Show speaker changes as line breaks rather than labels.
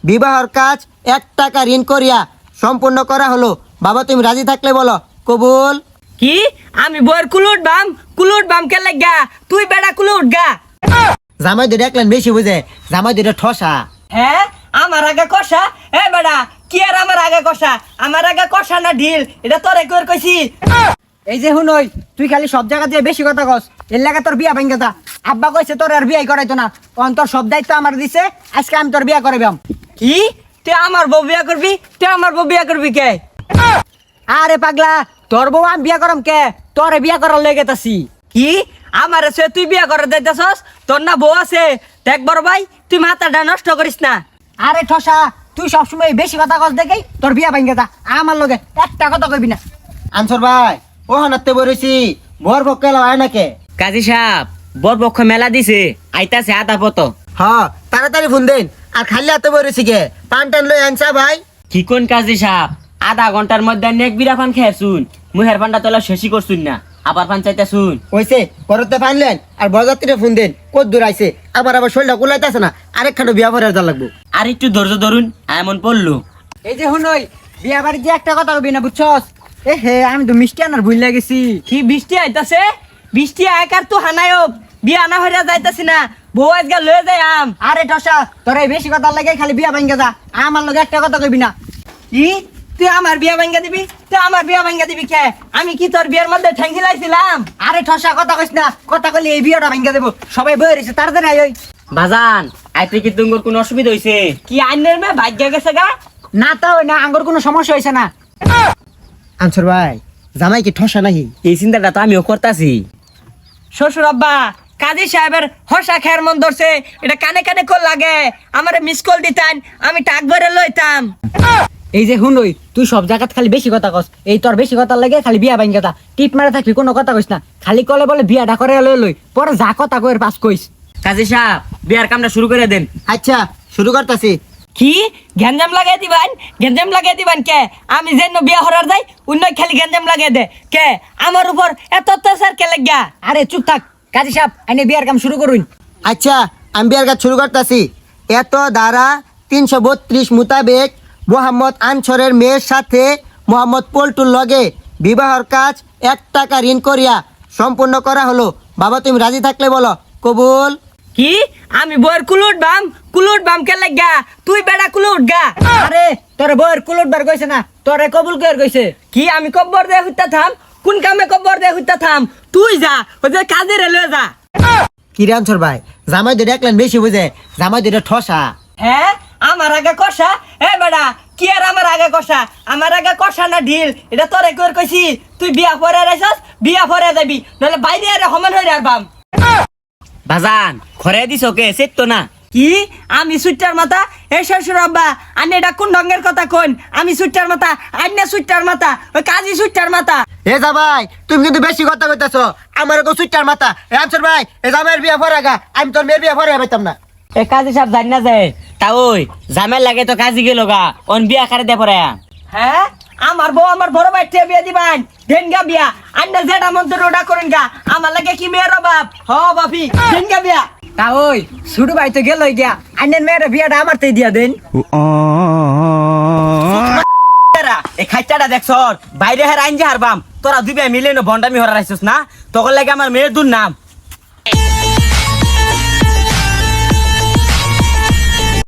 বিবাহর কাজ 1 টাকা ঋণ করিয়া সম্পূর্ণ করা হলো। বাবা তুমি রাজি থাকলে বলো কবুল।
কি আমি বইয়ের কুলুট বাম কে লাগা তুই বেড়া কুলুট গা।
জামাই দুটো একলেন বেশি বুঝে, জামাই দুটো ঠসা।
হ্যাঁ আমার আগে কষা এ বেড়া কি আর আমার আগে কষা না ঢিল এটা তোরে কর কইছি।
এই যে হুনই তুই খালি সব জায়গা দিয়ে বেশি কথা কস, এর লাগা তোর বিয়া ভাঙ্গা যা। আব্বা কইছে তোর আর বিয়াই করাইতো না, তখন তোর সব দায়িত্ব আমার দিছে, আজকে আমি তোর বিয়া করাইবাম।
কি তুই আমার বউ বিয়া করবি কে?
আরে পাগলা, তোর বউ আমি বিয়া করাম কে, তোরে বিয়া করার লেগে তাছি।
কি আমার আছে তুই বিয়া করে দিতেছস? তোর না বউ আছে? দেখ বড় ভাই তুই মাথাটা নষ্ট করিস না।
আরে ঠসা, তুই সবসময় বেশি কথা কস দেখেই তোর বিয়া ভাঙ্গা যা, আমার লগে একটা কথা কইবি না।
আনসর ভাই ও হানাতে বলেছি বর বক্কেলা হয় নাকে?
কাজী সাহেব বর পক্ষ মেলা দিছে, আইতাছে আধা পত।
হ্যাঁ তাড়াতাড়ি ফোন দেন। আর খালি হাতে বলেছি কে পান টান লই আনসা ভাই।
কি কোন কাজী সাহেব আধা ঘন্টার মধ্যে নেক বিরা পান খেয়ে শুন, মুহের পানটা তোলা শেষই করছুন না, আবার পান চাইতে শুন।
ওইসে পরতে পানলেন আর বরযাত্রীরে ফোন দেন কত দূর আইছে, আবার শরীরটা কুলাইতেছে না, আরেকখানে বিয়া পরে যা লাগবো।
আর একটু ধৈর্য ধরুন, এমন পড়লো।
এই যে হুনই বিয়া বাড়ি যে একটা কথা কইবি না, বুঝছস? এ হে আমি তো মিষ্টি আনার ভুল লাগেছি।
কি বৃষ্টি আইতাছে? বৃষ্টি আয়কার তো হানায়ক বিয়া না হইয়া যাইতাছি না, বউ আজকে লয়ে যাই আম।
আরে ঠসা, তোর এই বেশি কথা লাগে খালি বিয়া ভাঙ্গা যা, আমার লগে একটা কথা কইবি না।
কি তুই আমার বিয়া ভাঙ্গা দিবি কে? আমি কি তোর বিয়ার মধ্যে ঠ্যাঙ্গি লাইছিলাম?
আরে ঠসা কথা কইস না, কথা কইলে এই বিয়াটা ভাঙ্গা দেবো। সবাই বই রইছে তাড়াতাড়ি আই। ওই
বাজান আইতে কি তুঙ্গর কোনো অসুবিধা হইছে? কি আইনের মে ভাগ্য গেছে গা?
না তা হয় না, আঙ্গুর কোনো সমস্যা হইছে না।
আনসর ভাই জামাই কি ঠসা নাকি?
এই চিন্তাটা তো আমিও করতাছি। শ্বশুর আব্বা কাজী সাহেবের হসা খেয়ার মন ধরছে, এটা কানে কানে কল লাগে, আমারে মিস কল দিতেন, আমি টাক ভরে লইতাম।
এই যে হুনই তুই সব জায়গাত খালি বেশি কথা কস, এই তোর বেশি কথা লাগে খালি বিয়া ভাঙ্গা যা। টিপ মারা থাকবি কোনো কথা কইস না, খালি কলে বলে বিয়াটা করে লই লই, পরে যা কথা কইর পাস কইস।
কাজী সাহেব বিয়ার কামটা শুরু করে দেন।
আচ্ছা শুরু করতেছি।
কি গেঞ্জাম লাগাই দিবেন কে? আমি যেন বিয়া হরার যাই অন্য খালি গেঞ্জাম লাগাই দে কে? আমার উপর এত অত্যাচার কে লাগিয়া?
আরে চুপ থাক কাজী সাহেব, আইনে বিয়ার কাম শুরু করুন।
আচ্ছা আমি বিয়ার কাজ শুরু করতেছি। এত ধারা 332 মোতাবেক মোহাম্মদ আনছরের মেয়ের সাথে মোহাম্মদ পল্টুর লগে বিবাহর কাজ 1 টাকা ঋণ করিয়া সম্পূর্ণ করা হলো। বাবা তুমি রাজি থাকলে বলো কবুল।
কি আমি বইয়ের কুলুট বাম কে লাগা তুই বেড়া কুলুট গা।
আরে তোর বউয়ের কুলট বার কইছে না, তোরে কবুল কইর কইছে।
কি আমি কব্বর দে হইতা থাম? কোন কামে কব্বর দে হইতা থাম? তুই যা ওই যে কাজে রে লয়ে যা।
কি রে আনছর ভাই জামাই দুটো একলেন বেশি বুঝে, জামাই দুটো ঠসা।
হ্যাঁ আমার আগে কষা এ বেড়া কি আর আমার আগে কষা না ঢিল এটা তোরে কর কইছি। তুই বিয়া পরে রাইছস, বিয়া পরে যাবি, নাহলে বাইরে আরে সমান হয়ে রাখবাম। বাজান ঘরে দিছ কে সেট না? কি আমি সুইটার মাথা? এ শ্বশুর আব্বা আনে এটা কোন ঢঙ্গের কথা কোন? আমি সুইটার মাথা, আইনা সুইটার মাথা, ওই কাজী সুইটার মাথা।
এ যা ভাই তুমি কিন্তু বেশি কথা কইতাছো, আমার গো সুইটার মাথা। এ আনছর ভাই এ জামাইয়ের বিয়া পরে গা, আমি তোর মেয়ের বিয়া পরে পাইতাম না।
এ কাজী সাহেব জানি না যায় তা ওই জামের লাগে তো কাজী গেল গা, অন বিয়া করে দে পরে। হ্যাঁ আমার বউ আমার বড় ভাই টিয়া বিয়া দিবান দেন গা বিয়া, আন্না যেটা মন তো রোডা করেন গা, আমার লাগে কি মেয়ের অভাব? হ বাপি দেন গা বিয়া।
তা ওই ছোট ভাই তো গেল গিয়া, আইনের মেয়ের বিয়াটা আমার তাই দিয়া দেন।
এই খাইচাটা দেখছ বাইরে হের আইন যে হারবাম, তোরা দুই ভাই মিলে ভন্ডামি হরা রাইছিস না, তখন লাগে আমার মেয়ের দুর নাম